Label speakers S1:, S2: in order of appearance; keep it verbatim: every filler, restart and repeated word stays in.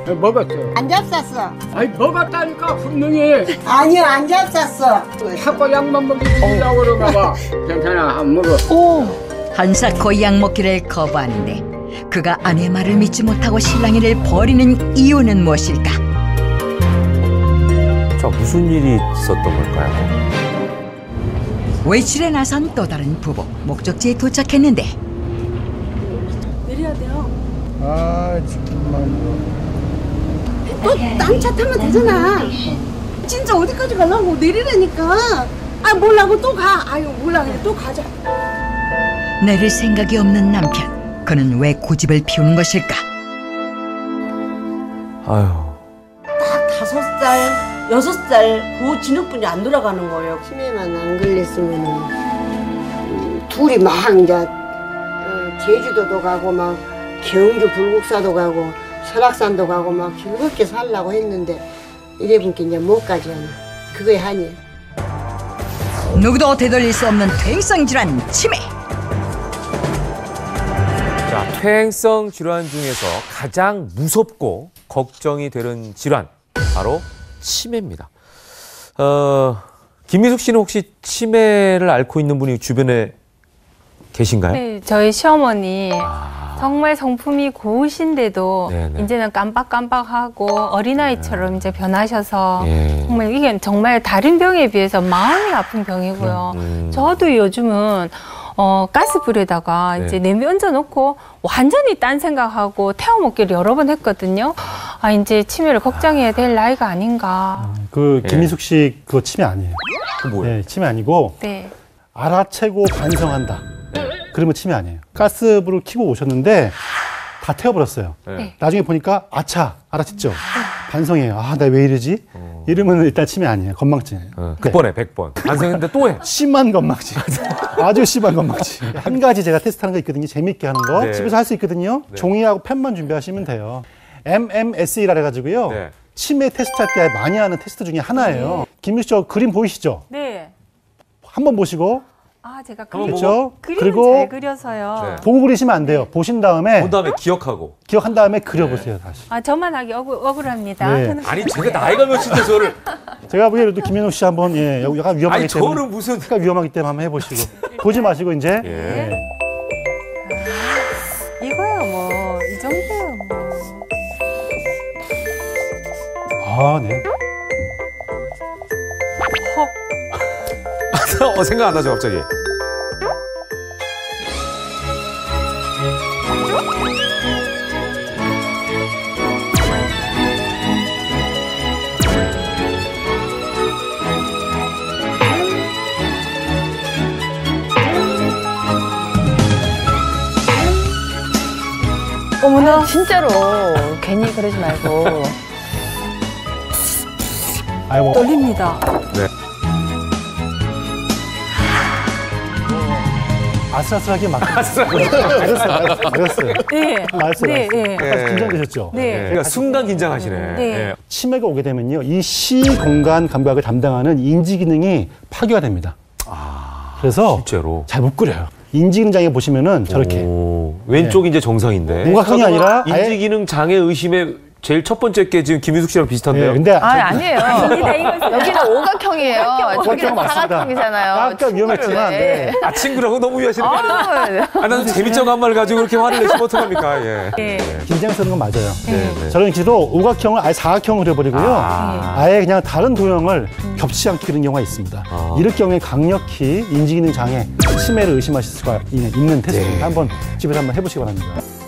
S1: 먹었어.
S2: 안 잡쌌어.
S1: 아니 먹었다니까 분명히.
S2: 아니요, 안 잡쌌어.
S1: 자꾸 약만 먹이려고 그런가 봐. 괜찮아, 안 먹어.
S3: 오. 한사코 약 먹기를 거부하는데 그가 아내 말을 믿지 못하고 신랑이를 버리는 이유는 무엇일까?
S4: 자, 무슨 일이 있었던 걸까요?
S3: 외출에 나선 또 다른 부부. 목적지에 도착했는데
S2: 내려야 돼요.
S1: 아 정말.
S2: 또 딴 차 타면 되잖아. 진짜 어디까지 가려고 내리라니까. 아 몰라고 또 가. 아유 몰라 그냥 또 가자.
S3: 내릴 생각이 없는 남편. 그는 왜 고집을 피우는 것일까?
S4: 아유.
S5: 딱 다섯 살, 여섯 살 그 진흙분이 안 돌아가는 거예요.
S2: 치매만 안 걸렸으면 음, 둘이 막 이제 어, 제주도도 가고 막 경주 불국사도 가고 설악산도 가고 막 즐겁게 살려고 했는데 이래보니까 이제 못 가지 않아. 그거에 한이.
S3: 누구도 되돌릴 수 없는 퇴행성 질환 치매.
S4: 자, 퇴행성 질환 중에서 가장 무섭고 걱정이 되는 질환, 바로 치매입니다. 어, 김미숙 씨는 혹시 치매를 앓고 있는 분이 주변에 계신가요?
S6: 네, 저희 시어머니
S4: 아.
S6: 정말 성품이 고우신데도
S4: 네네.
S6: 이제는 깜빡깜빡하고 어린아이처럼 이제 변하셔서
S4: 예.
S6: 정말 이게 정말 다른 병에 비해서 마음이 아픈 병이고요.
S4: 음.
S6: 저도 요즘은 어, 가스불에다가
S4: 네.
S6: 이제 냄비 얹어놓고 완전히 딴 생각하고 태워먹기를 여러 번 했거든요. 아, 이제 치매를 걱정해야 될 나이가 아닌가.
S7: 그
S4: 예.
S7: 김미숙 씨 그거 치매 아니에요.
S4: 그 뭐예요?
S7: 네, 치매 아니고
S6: 네.
S7: 알아채고 반성한다. 그러면 치매 아니에요. 가스불을 켜고 오셨는데 다 태워버렸어요.
S4: 네.
S7: 나중에 보니까 아차 알아챘죠. 반성해요. 아, 나 왜 이러지?
S4: 어.
S7: 이러면 일단 치매 아니에요. 건망증이에요.
S4: 어, 백 번에 백 번. 반성했는데 또 해.
S7: 심한 건망증. 아주 심한 건망증. 한 가지 제가 테스트하는 거 있거든요. 재밌게 하는 거.
S4: 네.
S7: 집에서 할 수 있거든요.
S4: 네.
S7: 종이하고 펜만 준비하시면 돼요. 엠엠에스이라 해가지고요.
S4: 네.
S7: 치매 테스트 할 때 많이 하는 테스트 중에 하나예요. 김미숙 씨 그림 보이시죠?
S6: 네.
S7: 한번 보시고
S6: 아, 제가
S4: 한번
S6: 그림,
S7: 그렇죠?
S6: 그림은
S7: 그리고
S6: 잘 그려서요.
S4: 네.
S7: 보고 그리시면 안 돼요. 보신 다음에
S4: 본 다음에 기억하고.
S7: 기억한 다음에 그려보세요. 다시.
S6: 아, 저만 하기 억울, 억울합니다.
S7: 네.
S6: 저는
S4: 아니, 제가 나이가 몇인데 저를.
S7: 제가 보기에도 김민욱 씨 한번 예, 약간 위험하기
S4: 아니,
S7: 때문에
S4: 저는 무슨.
S7: 약간 위험하기 때문에 한번 해보시고 보지 마시고 이제
S4: 예.
S7: 예.
S6: 이거야 뭐 이 정도야 뭐.
S7: 아, 네.
S4: 어, 생각 안 나죠, 갑자기.
S8: 어머나 진짜로 괜히 그러지 말고.
S7: 아이고.
S6: 떨립니다.
S4: 네.
S7: 아슬아슬하게 막. 알았어요, 알았어요, 알았어요.
S6: 네.
S7: 알았어요,
S6: 네,
S7: 알았어요.
S6: 네.
S7: 약간 긴장되셨죠?
S6: 네.
S4: 예. 그러니까 순간 긴장하시네.
S6: 네.
S4: 예.
S7: 치매가 오게 되면요, 이 시 공간 감각을 담당하는 인지 기능이 파괴가 됩니다.
S4: 아,
S7: 그래서
S4: 실제로.
S7: 잘 못 그려요. 인지 기능 장애 보시면은 저렇게
S4: 오, 왼쪽이 이제 정상인데.
S7: 우각형이 아니라 아예-
S4: 인지 기능 장애 의심의 제일 첫 번째 게 지금 김희숙 씨랑 비슷한데요.
S7: 예, 근데
S8: 아 아니에요. 여기는 오각형이에요. 저기는
S7: 맞습니다.
S8: 사각형이잖아요.
S7: 약간 위험했지만, 네.
S4: 아, 친구라고 너무 위하시는 거 아니에요?
S8: 아,
S4: 아, 나는 재밌자고 한 말 가지고 그렇게 화를 내시면 어떡합니까? 예.
S6: 네.
S7: 긴장스러운 건 맞아요.
S4: 네, 네.
S7: 저런 기도 우각형을 아예 사각형으로 그려버리고요.
S4: 아.
S7: 아예 그냥 다른 도형을 겹치지 않게 그리는 경우가 있습니다.
S4: 아.
S7: 이럴 경우에 강력히 인지기능 장애, 치매를 의심하실 수가 있는 테스트입니다.
S4: 네.
S7: 한번 집에서 한번 해보시기 바랍니다.